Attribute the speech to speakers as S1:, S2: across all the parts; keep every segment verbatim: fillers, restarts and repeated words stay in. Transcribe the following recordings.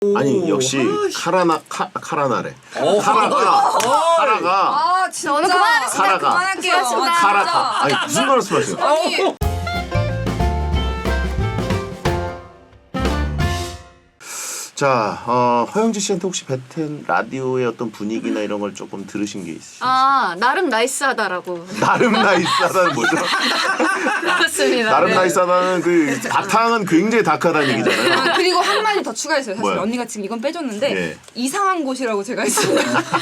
S1: 아니 역시 카라나 카 카라나래. 카라가 카라가
S2: 아 진짜 오늘 그만하겠습니다.
S1: 카라가.
S2: 그만할게요.
S1: 카라가 아니 무슨 말씀하세요?
S2: 아니
S1: 자, 어, 허영지 씨한테 혹시 베텐 라디오의 어떤 분위기나 이런 걸 조금 들으신 게 있으신지?
S3: 아 나름 나이스하다라고.
S1: 나름 나이스하다는 뭐죠?
S3: 그렇습니다.
S1: 나름
S3: 네.
S1: 나이스하다는 그 바탕은 굉장히 다크하다는 얘기잖아요.
S2: 아, 그리고 한 마디 더 추가했어요. 사실
S1: 뭐야?
S2: 언니가 지금 이건 빼줬는데
S1: 예.
S2: 이상한 곳이라고 제가 했어요.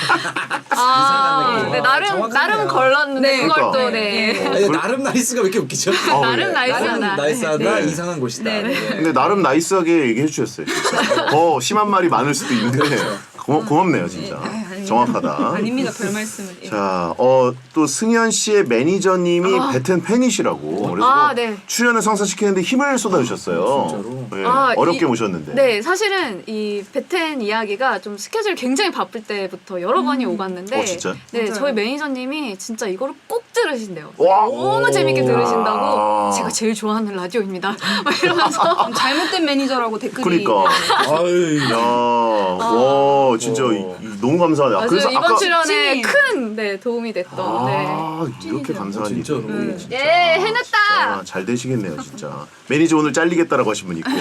S3: 아,
S4: 느낌.
S3: 네,
S4: 아,
S3: 나름
S4: 정확하네요.
S3: 나름 걸렀는데
S2: 네.
S3: 그걸
S1: 그러니까.
S3: 또 네.
S4: 아니, 나름 나이스가 왜 이렇게 웃기죠?
S1: 어,
S3: 나름
S1: 네.
S3: 나이스하다.
S4: 나름 나이스하다
S1: 네.
S4: 이상한 곳이다.
S2: 네, 네.
S4: 예.
S1: 근데 나름 나이스하게 얘기해 주셨어요. 진짜. 더 심한 말이 많을 수도 있는데 고마, 고맙네요 진짜.
S2: 아, 아닙니다.
S1: 정확하다.
S2: 아닙니다. 별 말씀을. 예.
S1: 자, 어, 또 승현 씨의 매니저님이 베텐 팬이시라고. 그래서
S3: 아, 네.
S1: 출연을 성사시키는데 힘을 쏟아주셨어요.
S4: 진짜로?
S1: 네,
S3: 아,
S1: 어렵게
S3: 이-
S1: 모셨는데.
S3: 네, 사실은 이 베텐 이야기가 좀 스케줄이 굉장히 바쁠 때부터 여러 번이 오갔는데
S1: 어, 진짜?
S3: 네,
S2: 맞아요.
S3: 저희 매니저님이 진짜 이거를 꼭 들으신대요.
S1: 와.
S3: 너무 재밌게
S1: 오.
S3: 들으신다고
S1: 야.
S3: 제가 제일 좋아하는 라디오입니다. 막 이러면서
S2: 잘못된 매니저라고 댓글이.
S1: 그러니까.
S4: 아유.
S1: 야, 와, 진짜 이- 이- 너무 감사하네. 아,
S3: 아주
S1: 그래서
S3: 이번
S1: 아까
S3: 출연에
S2: 찐이에요.
S3: 큰 네, 도움이 됐던 네.
S1: 아, 이렇게 감사한 일이.
S4: 진짜로.
S1: 음, 진짜.
S3: 예, 해냈다.
S1: 아, 잘 되시겠네요, 진짜. 매니저 오늘 잘리겠다라고 하신 분 있고.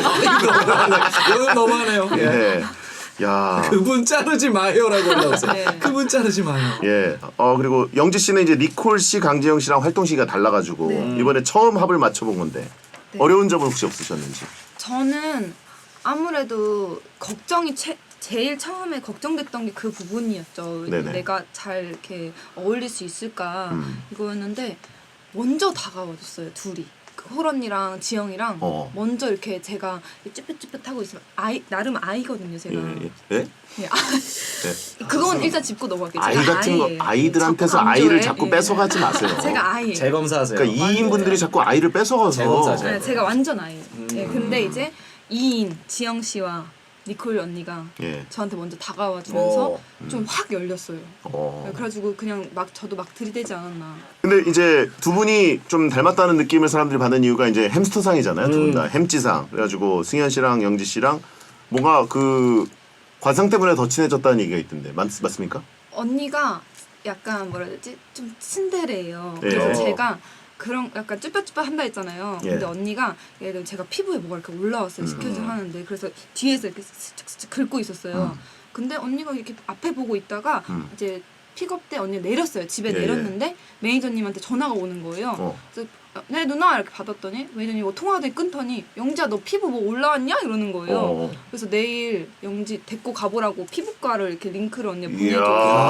S4: 이건 너무하네요. 예.
S1: 네. 야.
S4: 그분 자르지 마요라고 올라왔어요.
S2: 네.
S4: 그분 자르지 마요.
S1: 예. 어 그리고 영지 씨는 이제 니콜 씨, 강재영 씨랑 활동 시기가 달라가지고
S2: 네.
S1: 이번에 처음 합을 맞춰본 건데
S2: 네.
S1: 어려운 점은 혹시 없으셨는지?
S2: 저는 아무래도 걱정이 최, 제일 처음에 걱정됐던 게 그 부분이었죠.
S1: 네네.
S2: 내가 잘 이렇게 어울릴 수 있을까
S1: 음.
S2: 이거였는데 먼저 다가와줬어요. 둘이. 그 홀 언니랑 지영이랑
S1: 어.
S2: 먼저 이렇게 제가 쭈뼛쭈뼛하고 있으면 아이 나름 아이거든요. 제가.
S1: 예. 예? 예?
S2: 네, 아,
S1: 네.
S2: 그건 일단 짚고 넘어갈게요.
S1: 아이
S2: 제가
S1: 같은 거
S2: 아이예요.
S1: 아이들한테서
S2: 자꾸
S1: 아이를
S2: 강조해.
S1: 자꾸
S2: 예.
S1: 뺏어가지 마세요.
S2: 제가 아이예요.
S4: 재검사하세요.
S1: 그러니까 이 인분들이 자꾸 아이를 뺏어가서.
S4: 재검사죠.
S2: 네, 제가 완전 아이예요.
S1: 음.
S2: 예, 근데 이제 이 인 지영 씨와 니콜 언니가
S1: 예.
S2: 저한테 먼저 다가와 주면서
S4: 어.
S2: 좀 확 열렸어요.
S1: 어.
S2: 그래가지고 그냥 막 저도 막 들이대지 않았나.
S1: 근데 이제 두 분이 좀 닮았다는 느낌을 사람들이 받는 이유가 이제 햄스터상이잖아요. 두 분
S4: 음.
S1: 다 햄찌상. 그래가지고 승현 씨랑 영지 씨랑 뭔가 그 관상 때문에 더 친해졌다는 얘기가 있던데 맞, 맞습니까?
S2: 언니가 약간 뭐라 해야 되지? 좀 츤데레예요.
S1: 예.
S2: 그래서
S4: 어.
S2: 제가 그런 약간 쭈뼛쭈뼛 한다 했잖아요.
S1: 예.
S2: 근데 언니가 예를 들면 제가 피부에 뭐가 이렇게 올라왔어요. 스케줄 하는데 그래서 뒤에서 이렇게 스치스치 긁고 있었어요.
S1: 음.
S2: 근데 언니가 이렇게 앞에 보고 있다가
S1: 음.
S2: 이제 픽업 때 언니 내렸어요. 집에
S1: 예,
S2: 내렸는데 매니저님한테 전화가 오는 거예요.
S1: 어.
S2: 그래서 네 누나 이렇게 받았더니 매니저님 뭐 통화하더니 끊더니 영지야 너 피부 뭐 올라왔냐 이러는 거예요.
S1: 어.
S2: 그래서 내일 영지 데리고 가보라고 피부과를 이렇게 링크를 언니가
S1: 이야.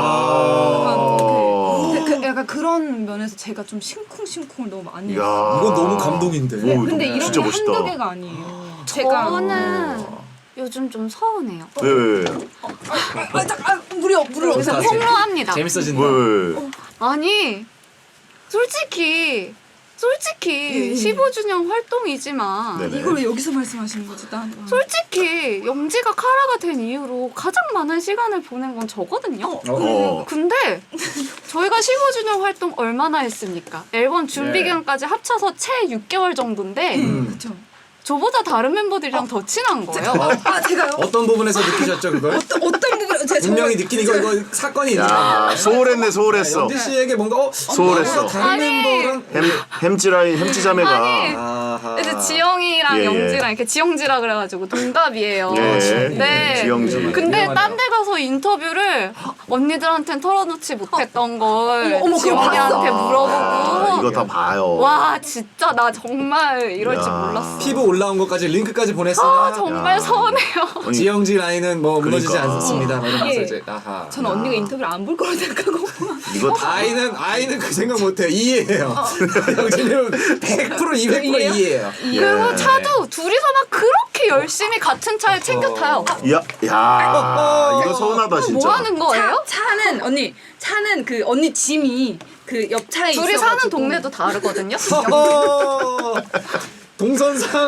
S2: 보내줘. 약간, 그, 약간 그런 면에서 제가 좀 심쿵심쿵을 너무 많이
S1: 이야.
S2: 했어요.
S4: 이건 너무 감동인데.
S1: 오,
S2: 네, 근데 이런
S1: 진짜
S2: 게
S1: 멋있다.
S2: 한두 개가 아니에요. 제가
S3: 저는 요즘 좀 서운해요.
S1: 왜, 왜, 왜?
S2: 아, 자, 아, 무려 무려
S3: 그래서
S4: 어떡하지?
S3: 폭로합니다.
S4: 재밌어진다.
S1: 왜, 왜, 왜?
S3: 아니 솔직히 솔직히
S2: 예.
S3: 십오 주년 활동이지만
S1: 네네.
S2: 이걸 왜 여기서 말씀하시는 거지? 난
S3: 솔직히 영지가 카라가 된 이후로 가장 많은 시간을 보낸 건 저거든요.
S1: 어.
S3: 근데 저희가 십오 주년 활동 얼마나 했습니까? 앨범 준비
S4: 네.
S3: 기간까지 합쳐서 채 육 개월 정도인데
S4: 음.
S2: 그렇죠.
S3: 저보다 다른 멤버들이랑 더 친한 거예요.
S2: 아 제가요?
S4: 어떤 부분에서 느끼셨죠 그걸?
S2: 어떤 어떤 부분 제가
S4: 분명히
S2: 정말-
S4: 느낀 이거 이거 사건이 있는
S1: 야, 소홀했네, 소홀했어.
S4: 영지 씨에게 뭔가 어
S1: 소홀했어.
S4: 다른
S3: 아니.
S4: 멤버랑
S1: 햄, 햄찌라인, 햄찌자매가.
S3: 아니.
S4: 아하.
S3: 이제 지영이랑
S1: 예, 예.
S3: 영지랑 이렇게 지영지라 그래가지고 동갑이에요.
S1: 예,
S3: 네.
S1: 지영지.
S3: 근데
S4: 유명하네요.
S3: 딴 데 가서 인터뷰를 언니들한테는 털어놓지 못했던 걸
S2: 어머, 어머, 그거
S3: 지영이한테
S2: 봤어.
S3: 물어보고
S1: 아, 이거 다 봐요.
S3: 와 진짜 나 정말 이럴 줄
S1: 야.
S3: 몰랐어.
S4: 피부 올라온 것까지 링크까지 보냈으나
S3: 아 정말
S1: 야.
S3: 서운해요.
S1: 아니,
S4: 지영지 라인은 뭐 무너지지
S1: 그러니까.
S4: 않습니다. 이러면서
S2: 이게
S4: 이제 아하.
S2: 저는 언니가 인터뷰를 안 볼 거라 생각하고
S1: 이거 다.
S4: 아이는 아이는 그 생각 못해요. 이해해요. 영진님은 백 퍼센트 이백 퍼센트
S2: 이해요?
S4: 이해해요.
S3: 그리고 차도 둘이서 막 그렇게 열심히 같은 차에 챙겨 타요.
S1: 야, 야, 이거 서운하다, 진짜.
S3: 뭐 하는 거예요?
S2: 차, 차는 언니 차는 그 언니 짐이 그 옆 차에
S3: 둘이
S2: 있어가지고
S3: 사는 동네도 다르거든요.
S4: 어, 동선상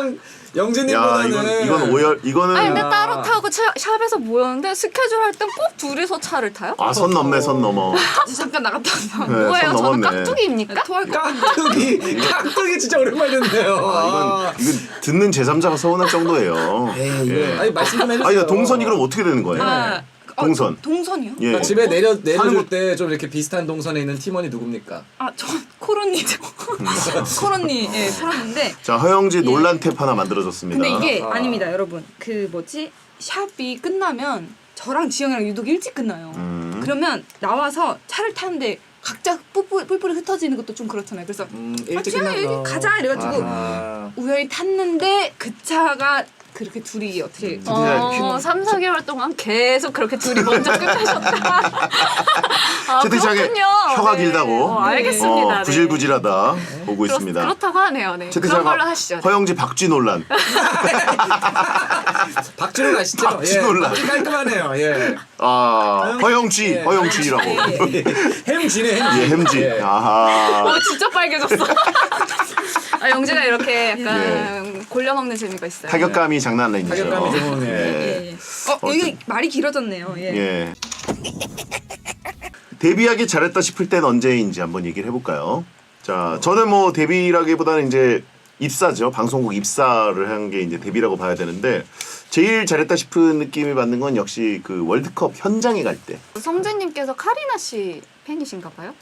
S1: 야
S4: 영진님보다는
S1: 이건 이건 오열 이거는
S3: 아니 근데
S4: 아.
S3: 따로 타고 차- 샵에서 모였는데 스케줄 할 땐 꼭 둘이서 차를 타요?
S1: 아 선 넘네 선 넘어.
S2: 잠깐 나갔다 왔어.
S1: 네,
S3: 뭐예요?
S1: 선
S3: 저는
S1: 넘었네.
S3: 깍두기입니까?
S2: 토할 거.
S4: 깍두기 깍두기 진짜 오랜만에 듣네요.
S1: 아, 이건 이건 듣는 제삼자가 서운할 정도예요.
S4: 에이, 이거
S1: 예.
S4: 아니 말씀 좀 해주세요.
S1: 아니 동선이 그럼 어떻게 되는 거예요?
S2: 아, 어,
S1: 동선.
S2: 동선이요?
S1: 예.
S4: 그러니까 집에 내려
S1: 사는
S4: 내려줄
S1: 곳-
S4: 때 좀 이렇게 비슷한 동선에 있는 팀원이 누굽니까?
S2: 아, 저 코로니죠. 코로니 예, 살았는데
S1: 자 허영지
S2: 예.
S1: 논란 탭 하나 만들어졌습니다.
S2: 근데 이게
S4: 아.
S2: 아닙니다, 여러분. 그 뭐지? 샵이 끝나면 저랑 지영이랑 유독 일찍 끝나요.
S1: 음.
S2: 그러면 나와서 차를 타는데 각자 뿔뿔 뿔뿔이 흩어지는 것도 좀 그렇잖아요. 그래서
S4: 음,
S2: 아,
S4: 일찍
S2: 지영아
S4: 끝나서.
S2: 여기 가자 이래가지고
S4: 아하.
S2: 우연히 탔는데 그 차가 그렇게 둘이 어떻게
S1: 음.
S3: 어, 삼, 사 개월 동안 계속 그렇게 둘이 먼저 끝내셨다. 아,
S1: 채팅창에
S3: 그렇군요.
S1: 혀가
S3: 네.
S1: 길다고
S3: 어, 알겠습니다.
S1: 어,
S3: 네.
S1: 구질구질하다 보고
S3: 그렇,
S1: 있습니다.
S3: 그렇다고 하네요. 네. 그런
S1: 채팅창에
S3: 걸로 하시죠.
S1: 허영지 박쥐 논란.
S4: 박준호 아시죠?
S1: 박준호
S4: 예,
S1: 올라.
S4: 박준 깔끔하네요. 예.
S1: 아 허영지
S4: 예.
S1: 허영지라고.
S4: 햄지네 햄지.
S1: 예 햄지.
S4: 예.
S1: 아하.
S3: 어, 진짜 빨개졌어. 아, 영지가 이렇게 약간
S1: 예.
S3: 골려 먹는 재미가 있어요.
S1: 타격감이 장난 아니죠.
S4: 타격감이 좋은, 예.
S2: 예, 예. 어, 여기 말이 길어졌네요. 예.
S1: 예. 데뷔하기 잘했다 싶을 땐 언제인지 한번 얘기를 해볼까요? 자, 저는 뭐 데뷔라기보다는 이제 입사죠. 방송국 입사를 한 게 이제 데뷔라고 봐야 되는데 제일 잘했다 싶은 느낌을 받는 건 역시 그 월드컵 현장에 갈 때.
S3: 성재님께서 카리나 씨 팬이신가 봐요?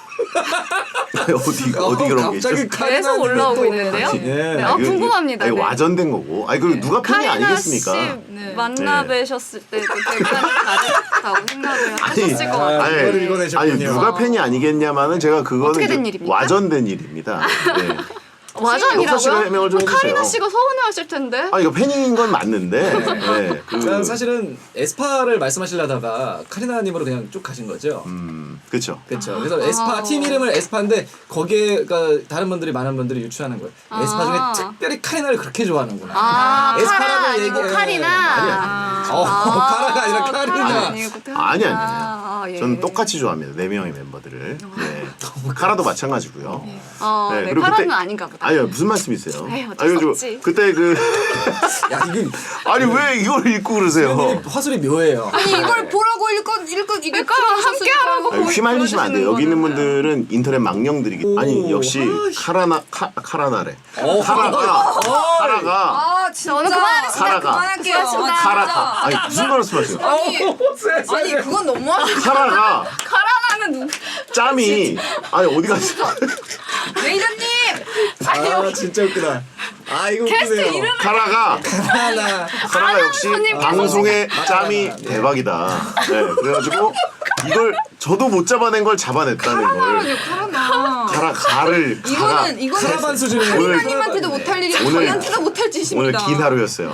S1: 어디 어디 그런 게 있죠?
S4: 갑자기
S3: 계속 올라오고 있는데요?
S4: 예.
S3: 네, 아,
S1: 이거-
S3: 궁금합니다.
S1: 아니,
S3: 네.
S1: 와전된 거고. 아니 그 누가 팬이
S3: 카리나
S1: 아니겠습니까?
S3: 씨
S2: 네.
S3: 만나
S1: 네.
S3: 뵈셨을 때도 대단히 다르다고 생각을 하셨을 것
S4: 아,
S3: 같아요.
S1: 아니,
S4: 이거를 읽어내셨군요.
S1: 아니 누가 팬이 아니겠냐마는 제가 그거는
S3: 어떻게 된
S1: 이제
S3: 일입니까?
S1: 와전된 일입니다. 네. 역사 씨가
S3: 와전이라고요?
S1: 해명을 좀
S3: 뭐 카리나
S1: 해주세요.
S3: 씨가 서운해하실 텐데.
S1: 아 이거 팬인 건 맞는데. 네. 그,
S4: 저는 사실은 에스파를 말씀하시려다가 카리나님으로 그냥 쭉 가신 거죠.
S1: 음 그렇죠.
S4: 그렇죠. 그래서 에스파 팀 이름을 에스파인데 거기에 그러니까 다른 분들이 많은 분들이 유추하는 거예요.
S3: 아.
S4: 에스파 중에 특별히 카리나를 그렇게 좋아하는구나.
S3: 아,
S4: 에스파라고
S3: 카라 아니고
S4: 얘기해.
S3: 카리나.
S4: 아니야. 어, 카라가 아니라 카리나.
S3: 아니고
S1: 아니 아니
S3: 아,
S1: 아니.
S3: 예.
S1: 저는 똑같이 좋아합니다. 네 명의 멤버들을. 네. 카라도 마찬가지고요.
S3: 어, 네,
S1: 그리고
S3: 카라는
S1: 그때-
S3: 아닌가 보다.
S1: 아니요 무슨 말씀이세요?
S3: 에이, 어쩔
S1: 아니,
S3: 수
S1: 저-
S3: 없지.
S1: 그때 그
S4: 야 이게
S1: 아니 왜 이걸 읽고 그러세요?
S4: 수현님이 화술이 묘해요.
S2: 아니 이걸 보라고 읽고 읽고 이게
S3: 그러니까 함께 하라고
S1: 아니, 휘말리시면 안 돼요. 여기 있는 분들은 인터넷 망령들이기.
S4: 오,
S1: 아니 역시
S4: 아이씨.
S1: 카라나 카 카라나래.
S4: 어,
S1: 카라가 카라가
S2: 아 진짜
S3: 오늘 그만하겠습니다.
S2: 카라가 그만할게요.
S3: 수고하셨습니다.
S2: 아,
S1: 카라
S2: 진짜.
S1: 카. 아니 무슨 말씀하세요?
S2: 아니
S4: 세상에.
S2: 아니 그건 너무하지.
S1: 카라가
S3: 카라나는 누구?
S1: 짬이 아니 어디 갔어?
S2: 매니저님.
S4: 아 진짜 웃기다. 아 이거 웃기네요.
S1: 카라가
S4: 하나.
S1: 카라가 역시
S3: 아나운서님께서-
S1: 방송의 짬이 대박이다. 네, 그래가지고 이걸 저도 못 잡아낸 걸 잡아냈다는 걸.
S2: 카라나.
S1: 카라 가를 가라.
S2: 이거는 이거는
S4: 카라반 수준의
S1: 오늘-
S2: 카리나님한테도 못할 일이
S1: 오늘-
S2: 저희한테도 못할
S1: 오늘
S2: 짓입니다.
S1: 긴 하루였어요.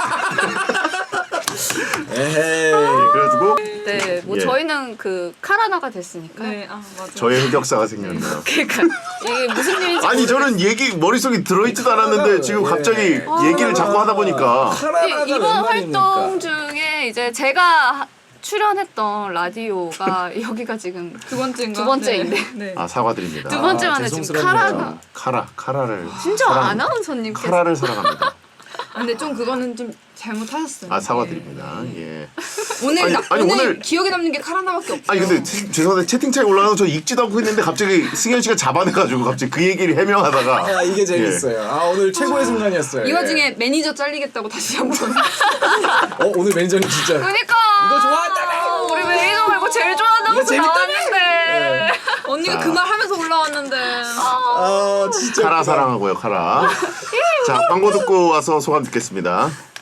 S4: 에헤이.
S1: 네, 그래가지고
S3: 네, 뭐
S1: 예.
S3: 저희는 그 카라나가 됐으니까.
S2: 네, 아 맞아.
S1: 저의 흑역사가 생겼네요.
S3: 그러니까 이게 무슨 일인지
S1: 아니 저는 얘기 머릿속에 들어있지도 않았는데 지금 갑자기 얘기를 자꾸 하다 보니까
S4: 카라나가
S3: 이- 이번
S4: 웬 말입니까?
S3: 활동 중에 이제 제가 하- 출연했던 라디오가 여기가 지금
S2: 두 번째인가?
S3: 두 번째인데.
S2: 네. 네.
S1: 아 사과드립니다.
S3: 두 번째 만에 지금
S4: 죄송스럽네요.
S3: 카라가
S1: 카라 카라를
S3: 진짜
S1: 사랑-
S3: 아나운서님께서
S1: 카라를 사랑합니다.
S2: 아, 근데 좀 그거는 좀 잘못하셨어요.
S1: 아 사과드립니다. 예.
S2: 오늘
S1: 아니,
S2: 나,
S1: 아니,
S2: 오늘,
S1: 오늘-
S2: 기억에 남는 게 카라나밖에 없어요.
S1: 아니 근데 채- 죄송한데 채팅창에 올라가서 저 읽지도 않고 있는데 갑자기 승현 씨가 잡아내가지고 갑자기 그 얘기를 해명하다가
S4: 아 이게 재밌어요. 아 오늘 최고의 순간이었어요.
S2: 이
S4: 예.
S2: 와중에 매니저 잘리겠다고 다시 한번.
S4: 어 오늘 매니저님 진짜
S3: 그러니까
S4: 이거 좋아한다며.
S3: 우리 매니저 말고 제일 좋아하는
S4: 이거
S3: 곳
S4: 재밌다며.
S3: 나왔는데
S2: 언니가
S1: 자.
S2: 그 말 하면서 올라왔는데.
S4: 아 진짜
S1: 카라
S4: 웃기다.
S1: 사랑하고요 카라. 자 광고 듣고 와서 소감 듣겠습니다.